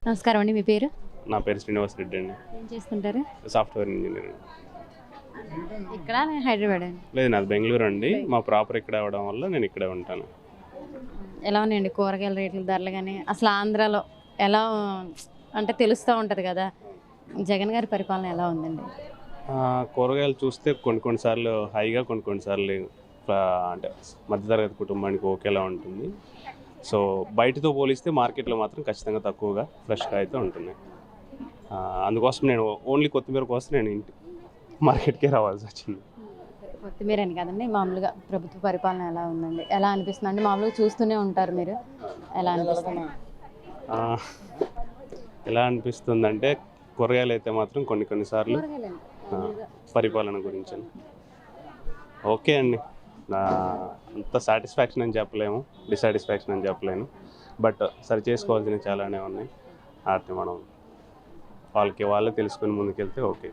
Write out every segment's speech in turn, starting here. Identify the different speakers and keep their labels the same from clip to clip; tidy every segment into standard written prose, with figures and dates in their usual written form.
Speaker 1: నమస్కారం అండి. మీ పేరు?
Speaker 2: నా పేరు శ్రీనివాస్ రెడ్డి అండి.
Speaker 1: ఏం చేస్తుంటారు?
Speaker 2: Software engineer.
Speaker 1: ఇక్కడ హైదరాబాద్ అండి.
Speaker 2: లేదు, నాది బెంగళూరు అండి. మా ప్రాపర్ ఇక్కడ అవ్వడం వల్ల నేను ఇక్కడే ఉంటాను.
Speaker 1: ఎలా ఉన్నాయండి కూరగాయల రేట్ల ధరలు కానీ అసలు ఆంధ్రాలో ఎలా అంటే తెలుస్తూ ఉంటుంది కదా, జగన్ గారి పరిపాలన ఎలా ఉందండి?
Speaker 2: కూరగాయలు చూస్తే కొన్నిసార్లు హైగా కొన్నిసార్లు అంటే మధ్యతరగతి కుటుంబానికి ఓకేలా ఉంటుంది. సో బయటతో పోలిస్తే మార్కెట్లో మాత్రం ఖచ్చితంగా తక్కువగా ఫ్రెష్గా అయితే ఉంటున్నాయి. అందుకోసం నేను ఓన్లీ కొత్తిమీర కోసం నేను మార్కెట్కే రావాల్సి వచ్చింది.
Speaker 1: కొత్తిమీర అని కదండి, మామూలుగా ప్రభుత్వ పరిపాలన ఎలా ఉందండి, ఎలా అనిపిస్తుంది అంటే మామూలుగా చూస్తూనే ఉంటారు మీరు, ఎలా అనిపిస్తుంది?
Speaker 2: ఎలా అనిపిస్తుందంటే కూరగాయలు అయితే మాత్రం కొన్నిసార్లు పరిపాలన గురించి ఓకే అండి, అంత సాటిస్ఫాక్షన్ అని చెప్పలేము, డిసాటిస్ఫాక్షన్ అని చెప్పలేను. బట్ సరి చేసుకోవాల్సినవి చాలానే ఉన్నాయి. వాటిని మనం వాళ్ళే తెలుసుకుని ముందుకెళ్తే ఓకే.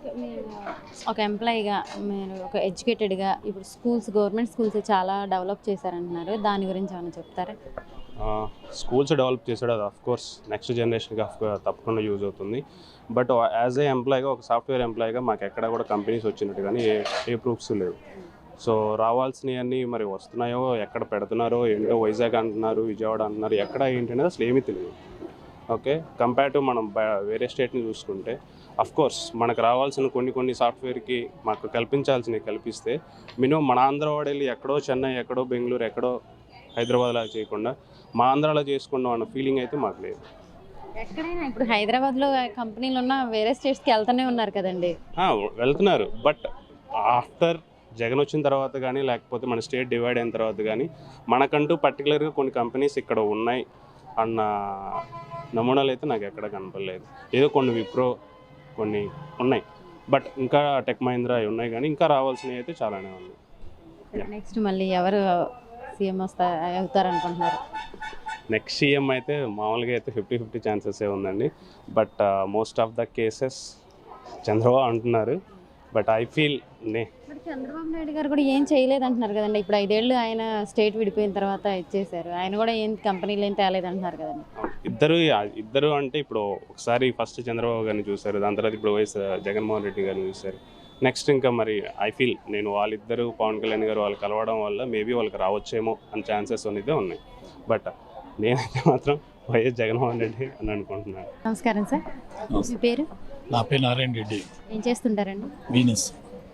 Speaker 1: ఒక ఎంప్లాయీగా మీరు ఒక ఎడ్యుకేటెడ్గా ఇప్పుడు గవర్నమెంట్ స్కూల్స్ చాలా డెవలప్ చేశారంటున్నారు, దాని గురించి ఏమైనా చెప్తారా?
Speaker 2: స్కూల్స్ డెవలప్ చేసాడు, అది ఆఫ్కోర్స్ నెక్స్ట్ జనరేషన్కి తప్పకుండా యూజ్ అవుతుంది. బట్ యాజ్ ఏ ఎంప్లాయీగా, ఒక సాఫ్ట్వేర్ ఎంప్లాయీగా మాకు ఎక్కడ కూడా కంపెనీస్ వచ్చినట్టు కానీ ఏ ప్రూఫ్స్ లేవు. సో రావాల్సినవన్నీ మరి వస్తున్నాయో, ఎక్కడ పెడుతున్నారో ఏంటో, వైజాగ్ అంటున్నారు, విజయవాడ అంటున్నారు, ఎక్కడ ఏంటి అనేది అసలు ఏమీ తెలియదు. ఓకే, కంపేర్ టు మనం వేరే స్టేట్ని చూసుకుంటే అఫ్కోర్స్ మనకు రావాల్సిన కొన్ని సాఫ్ట్వేర్కి మాకు కల్పించాల్సినవి కల్పిస్తే మినిమం మన ఆంధ్ర వాడేళ్ళి ఎక్కడో చెన్నై, ఎక్కడో బెంగళూరు, ఎక్కడో హైదరాబాద్లా చేయకుండా మా ఆంధ్రాలో చేసుకున్నాం అన్న ఫీలింగ్ అయితే మాకు లేదు.
Speaker 1: ఎక్కడైనా ఇప్పుడు హైదరాబాద్లో కంపెనీలు ఉన్న వేరే స్టేట్స్కి వెళ్తూనే ఉన్నారు కదండి.
Speaker 2: వెళ్తున్నారు, బట్ ఆఫ్టర్ జగన్ వచ్చిన తర్వాత కానీ, లేకపోతే మన స్టేట్ డివైడ్ అయిన తర్వాత కానీ మనకంటూ పర్టికులర్గా కొన్ని కంపెనీస్ ఇక్కడ ఉన్నాయి అన్న నమూనాలు అయితే నాకు ఎక్కడ కనపడలేదు. ఏదో కొన్ని విప్రో కొన్ని ఉన్నాయి, బట్ ఇంకా టెక్ మహీంద్రా అవి ఉన్నాయి, కానీ ఇంకా రావాల్సినవి అయితే చాలానే ఉన్నాయి.
Speaker 1: నెక్స్ట్ మళ్ళీ ఎవరు సీఎం అవుతారనుకుంటున్నారు?
Speaker 2: నెక్స్ట్ సీఎం అయితే మామూలుగా అయితే 50-50 ఛాన్సెసే ఉందండి. But most of the cases Chandrababu అంటున్నారు. But I feel
Speaker 1: Chandrababu Naidu garu కూడా ఏం చేయలేదు అంటున్నారు కదండి. ఇప్పుడు 5 ఏళ్ళు ఆయన స్టేట్ విడిపోయిన తర్వాత ఇచ్చేశారు, ఆయన కూడా ఏం కంపెనీలు ఏం తేలేదు అంటున్నారు కదండి.
Speaker 2: ఇద్దరు అంటే ఇప్పుడు ఒకసారి ఫస్ట్ చంద్రబాబు గారిని చూశారు, దాని తర్వాత ఇప్పుడు జగన్మోహన్ రెడ్డి గారిని చూశారు. నెక్స్ట్ ఇంకా మరి ఐ ఫీల్ నేను వాళ్ళిద్దరూ పవన్ కళ్యాణ్ గారు వాళ్ళు కలవడం వల్ల మేబీ వాళ్ళకి రావచ్చేమో అని ఛాన్సెస్ అనేది ఉన్నాయి. బట్ నేనైతే మాత్రం వైఎస్ జగన్మోహన్ రెడ్డి అని అనుకుంటున్నాను.
Speaker 1: నమస్కారం సార్, మీ పేరు?
Speaker 3: నా పేరు నారాయణ రెడ్డి.
Speaker 1: ఏం చేస్తుంటారండి?
Speaker 3: బిజినెస్.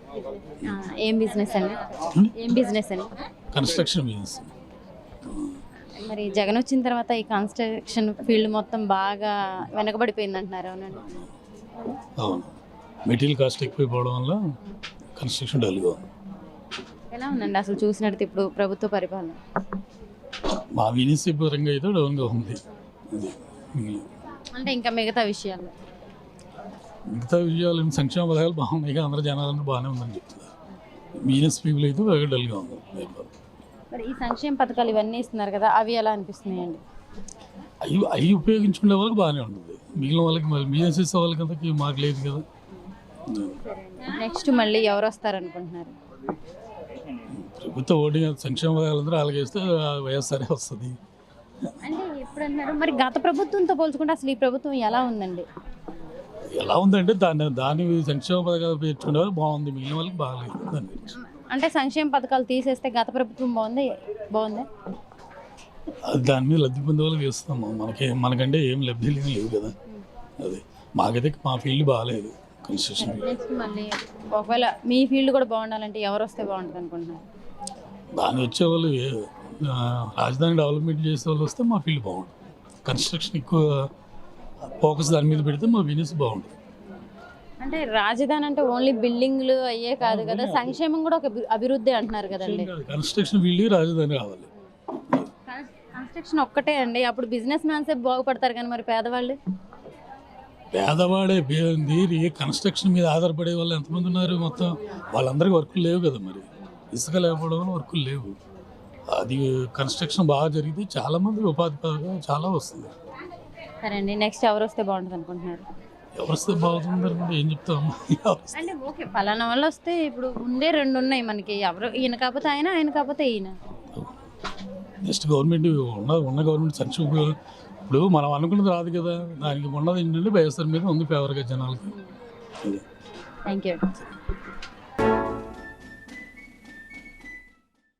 Speaker 1: ఏం బిజినెస్ అండి?
Speaker 3: Construction business.
Speaker 1: మరి జగన్ వచ్చిన తర్వాత ఈ కన్స్ట్రక్షన్ ఫీల్డ్ మొత్తం బాగా వెనకబడిపోయింది అంటున్నారు, అవునండి?
Speaker 3: అవును, మెటీరియల్ కాస్ట్ ఎక్కువైపోవడం వల్ల కన్స్ట్రక్షన్ డల్గా ఉంది.
Speaker 1: ఎలా ఉందండి అసలు చూసినట్టు ఇప్పుడు ప్రభుత్వ పరిపాలన?
Speaker 3: మా బిజినెస్ పరంగా అయితే డౌన్గా ఉంది.
Speaker 1: అంటే ఇంకా మిగతా విషయాలు
Speaker 3: సంక్షేమ పథకాలు బాగున్నాయి, అందరూ జనాలందరూ బాగానే ఉందని చెప్తున్నారు. బిజినెస్ పీపుల్ అయితే బాగా డల్గా ఉంది.
Speaker 1: మరి ఈ సంక్షేమ పథకాలు ఇవన్నీ ఇస్తున్నారు కదా, అవి ఎలా అనిపిస్తున్నాయండి?
Speaker 3: అవి ఉపయోగించుకునే వాళ్ళకి బాగానే ఉంటుంది, మిగిలిన వాళ్ళకి మళ్ళీ బిజినెస్ చేసే వాళ్ళకి మాకు లేదు కదా.
Speaker 1: నెక్స్ట్ మళ్ళీ ఎవరు వస్తారనుకుంటున్నారు?
Speaker 3: ప్రభుత్వ ఓటింగ్ సంక్షేమ పథకాలందరూ అలాగేస్తే వైఎస్ఆర్ఏ వస్తుంది.
Speaker 1: అంటే ఎప్పుడు అన్నారు మరి గత ప్రభుత్వంతో పోల్చుకుంటే అసలు ఈ ప్రభుత్వం ఎలా ఉందండి?
Speaker 3: ఎలా ఉందంటే దాని సంక్షేమ పథకాలు పెట్టుకునే వాళ్ళు బాగుంది, మిగిలిన వాళ్ళకి బాగాలేదు. దాని గురించి
Speaker 1: అంటే సంక్షేమ పథకాలు తీసేస్తే గత ప్రభుత్వం బాగుందా?
Speaker 3: అది దాని మీద లబ్ధి పొందే వాళ్ళకి ఇస్తాము, మనకంటే ఏం లబ్ధి లేవు కదా. అదే మాకైతే మా ఫీల్డ్ బాగాలేదు కన్స్ట్రక్షన్.
Speaker 1: నెక్స్ట్ మళ్ళీ ఒకవేళ మీ ఫీల్డ్ కూడా బాగుండాలంటే ఎవరు వస్తే బాగుంటుంది అనుకుంటున్నారు?
Speaker 3: దాని వచ్చేవాళ్ళు రాజధాని డెవలప్మెంట్ చేసే వాళ్ళు వస్తే మా ఫీల్డ్ బాగుంటుంది. కన్స్ట్రక్షన్ ఎక్కువ ఫోకస్ దాని మీద పెడితే మా బిజినెస్ బాగుంటుంది.
Speaker 1: అంటే రాజధాని అంటే ఓన్లీ బిల్డింగ్లు అయ్యే కాదు కదా, సంక్షేమం కూడా ఒక అభివృద్ధి అంటున్నారు కదండి.
Speaker 3: కన్స్ట్రక్షన్ ఫీల్డ్ రాజధాని రావాలి.
Speaker 1: కన్స్ట్రక్షన్ ఒక్కటే అండి, అప్పుడు బిజినెస్ మ్యాన్సే బాగుపడతారు కానీ మరి
Speaker 3: పేదవాడే కన్స్ట్రక్షన్ మీద ఆధారపడే వాళ్ళు ఎంతమంది ఉన్నారు? మొత్తం వాళ్ళందరికీ వర్కులు లేవు కదా. మరి ఇసుక లేకపోవడం వల్ల వర్కులు లేవు. అది కన్స్ట్రక్షన్ బాగా జరిగితే చాలామంది ఉపాధి చాలా వస్తుంది.
Speaker 1: సరే అండి, నెక్స్ట్ ఎవరు వస్తే బాగుంటుంది అనుకుంటున్నారు?
Speaker 3: ఎవరు వస్తే బాగుంటుంది ఏం చెప్తాము
Speaker 1: అంటే ఓకే పలానా వాళ్ళు వస్తే ఇప్పుడు ఉండే 2 ఉన్నాయి మనకి, ఎవరు ఈయన కాకపోతే ఆయన కాకపోతే ఈయన.
Speaker 3: నెక్స్ట్ గవర్నమెంట్ ఉన్న గవర్నమెంట్ సంక్షేమ ఇప్పుడు మనం అనుకున్నది రాదు కదా, దానికి ఉన్నది ఏంటంటే వైఎస్ఆర్ మీద ఉంది ఫేవర్గా జనాలకి.
Speaker 1: Thank you.